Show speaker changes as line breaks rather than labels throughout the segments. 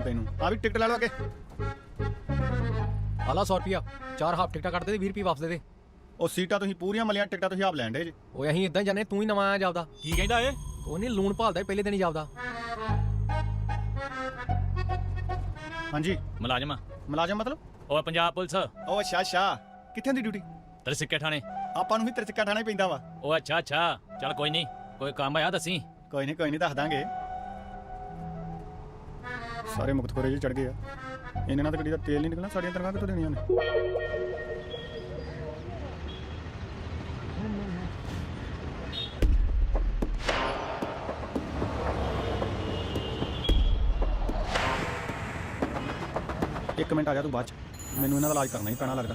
ਤੈਨੂੰ ਆ ਵੀ ਟਿਕਟ ਲੈ ਲਓ ਅੱਗੇ
ਆਲਾ 100 ਰੁਪਿਆ 4 ਹਾਫ ਟਿਕਟਾਂ ਕੱਟ ਦੇ 20 ਰੁਪਏ ਵਾਪਸ ਦੇ ਦੇ।
ਉਹ ਸੀਟਾਂ ਤੁਸੀਂ ਪੂਰੀਆਂ ਮਲੀਆਂ ਟਿਕਟਾਂ ਤੁਸੀਂ ਆਪ ਲੈਣ ਡੇ ਜੇ।
ਓਏ ਅਸੀਂ ਇਦਾਂ ਹੀ ਜਾਣੇ, ਤੂੰ ਹੀ ਨਵਾਂ ਆਇਆ ਜਾਪਦਾ।
ਕੀ ਕਹਿੰਦਾ ਏ?
ਕੋਈ ਨਹੀਂ, ਲੂਣ ਭਾਲਦਾ ਸੀ, ਪਹਿਲੇ ਦਿਨ ਹੀ ਜਾਪਦਾ।
ਹਾਂਜੀ
ਮੁਲਾਜ਼ਮ
ਮੁਲਾਜ਼ਮ ਮਤਲਬ?
ਉਹ ਪੰਜਾਬ ਪੁਲਿਸ।
ਉਹ ਅੱਛਾ ਅੱਛਾ, ਕਿੱਥੇ ਦੀ ਡਿਊਟੀ?
ਤਰਸਿੱਕੇ ਥਾਣੇ।
ਆਪਾਂ ਨੂੰ ਵੀ ਤੇਰੇ ਚਿੱਕਾ ਠਾਣਾ ਹੀ ਪੈਂਦਾ ਵਾ।
ਉਹ ਅੱਛਾ ਅੱਛਾ, ਚੱਲ ਕੋਈ ਨਹੀਂ, ਕੋਈ ਕੰਮ ਆਇਆ ਦੱਸੀ।
ਕੋਈ ਨਹੀਂ ਦੱਸ ਦਾਂਗੇ। ਸਾਰੇ ਮੁਕਤਖੋਰੇ ਜੀ ਚੜ ਗਏ ਆ, ਇਹਨਾਂ ਨਾਲ ਤਾਂ ਗੱਡੀ ਦਾ ਤੇਲ ਨਹੀਂ ਨਿਕਲਣਾ, ਸਾਡੀਆਂ ਤਨਖਾਹਾਂ ਕਿੱਥੋਂ ਦੇਣੀਆਂ ਨੇ? ਇੱਕ ਮਿੰਟ ਆ ਜਾ ਤੂੰ ਬਾਅਦ ਚ, ਮੈਨੂੰ ਇਹਨਾਂ ਦਾ ਇਲਾਜ ਕਰਨਾ ਹੀ ਪੈਣਾ ਲੱਗਦਾ।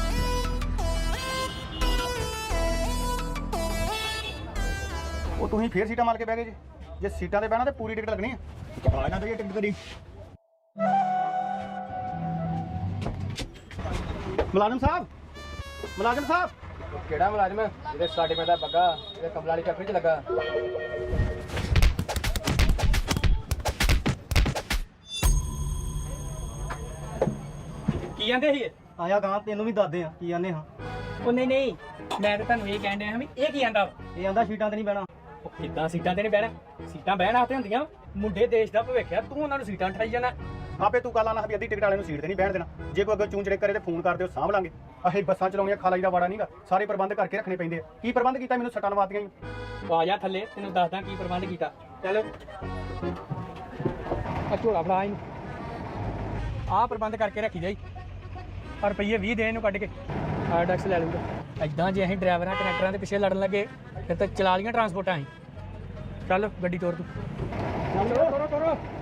ਉਹ ਤੁਸੀਂ ਫੇਰ ਸੀਟਾਂ ਮਾਰ ਕੇ ਬਹਿ ਗਏ ਜੀ। ਜੇ ਸੀਟਾਂ ਤੇ ਬਹਿਣਾ ਤੇ ਪੂਰੀ ਟਿਕਟ ਲੱਗਣੀ ਆ। ਆ ਨਾ ਤੇ ਟਿਕਟ ਤੇਰੀ। ਮੁਲਾਜ਼ਮ ਸਾਹਿਬ
ਕਿਹੜਾ ਮੁਲਾਜ਼ਮ? ਇਹਦੇ ਸਾਡੇ ਪਿੰਡ ਦਾ ਬੱਗਾ, ਇਹਦੇ ਕਮਲਾ ਵਾਲੀ ਫੈਕਟਰੀ 'ਚ ਲੱਗਾ।
ਕੀ ਕਹਿੰਦੇ ਸੀ?
ਆਇਆ ਗਾਂ ਤੈਨੂੰ ਵੀ ਦੱਸਦੇ ਆ ਕੀ ਆਨੇ ਹਾਂ।
ਉਹ ਨਹੀਂ ਮੈਂ ਤਾਂ ਤੁਹਾਨੂੰ ਇਹ ਕਹਿਣ ਡਿਆ ਹਾਂ ਵੀ ਇਹ ਕੀ ਕਹਿੰਦਾ?
ਇਹ ਆਂਦਾ ਸੀਟਾਂ ਤੇ ਨਹੀਂ ਬਹਿਣਾ।
ਉਹ ਕਿੱਦਾਂ ਸੀਟਾਂ ਤੇ ਨਹੀਂ ਬਹਿਣਾ? ਸੀਟਾਂ ਬਹਿਣ ਵਾਸਤੇ ਹੁੰਦੀਆਂ। ਮੁੰਡੇ ਦੇਸ਼ ਦਾ ਭਵਿੱਖ ਆ, ਤੂੰ ਉਹਨਾਂ ਨੂੰ ਸੀਟਾਂ ਠਾਈ ਜਾਣਾ।
ਆਪੇ ਤੂੰ ਕੱਲ ਆਣਾ ਵੀ ਅੱਧੀ ਟਿਕਟ ਵਾਲੇ ਨੂੰ ਸੀਟ ਤੇ ਨਹੀਂ ਬਹਿਣ ਦੇਣਾ। ਜੇ ਕੋਈ ਅੱਗੇ ਚੂੰ ਚੜੇ ਕਰੇ ਤੇ ਫੋਨ ਕਰ ਦਿਓ, ਸਾਂਭ ਲਾਂਗੇ। ਅਸੀਂ ਬੱਸਾਂ ਚਲਾਉਣੀਆਂ, ਖਾਲਾਈ ਦਾ ਵਾੜਾ ਨਹੀਂਗਾ, ਸਾਰੇ ਪ੍ਰਬੰਧ ਕਰਕੇ ਰੱਖਣੇ ਪੈਂਦੇ ਆ। ਕੀ ਪ੍ਰਬੰਧ ਕੀਤਾ? ਮੈਨੂੰ ਸੱਟਾਂ ਲਵਾਤੀਆਂ ਹੀ।
ਆ ਜਾ ਥੱਲੇ, ਤੈਨੂੰ ਦੱਸਦਾ ਕੀ ਪ੍ਰਬੰਧ ਕੀਤਾ। ਚੱਲ ਆ ਝੋਲਾ ਫੜਾ ਇਹਨੂੰ। ਆਹ ਪ੍ਰਬੰਧ ਕਰਕੇ ਰੱਖੀ ਜਾਈ। ਪਰ ਰੁਪਈਏ 20 ਦੇ ਇਹਨੂੰ ਕੱਢ ਕੇ। ਆ ਟੈਕਸ ਲੈ ਲੂਗਾ। ਐਦਾਂ ਜੇ ਅਸੀਂ ਡਰਾਈਵਰਾਂ ਕਨੈਕਟਰਾਂ ਦੇ ਪਿੱਛੇ ਲੜਨ ਲੱਗੇ ਫਿਰ ਤਾਂ ਚਲਾ ਲੀਆਂ ਟਰਾਂਸਪੋਰਟਾਂ ਅਸੀਂ। ਚੱਲ ਗੱਡੀ ਤੋਰ ਤੂੰ। ਚੱਲ ਤੋਰੋ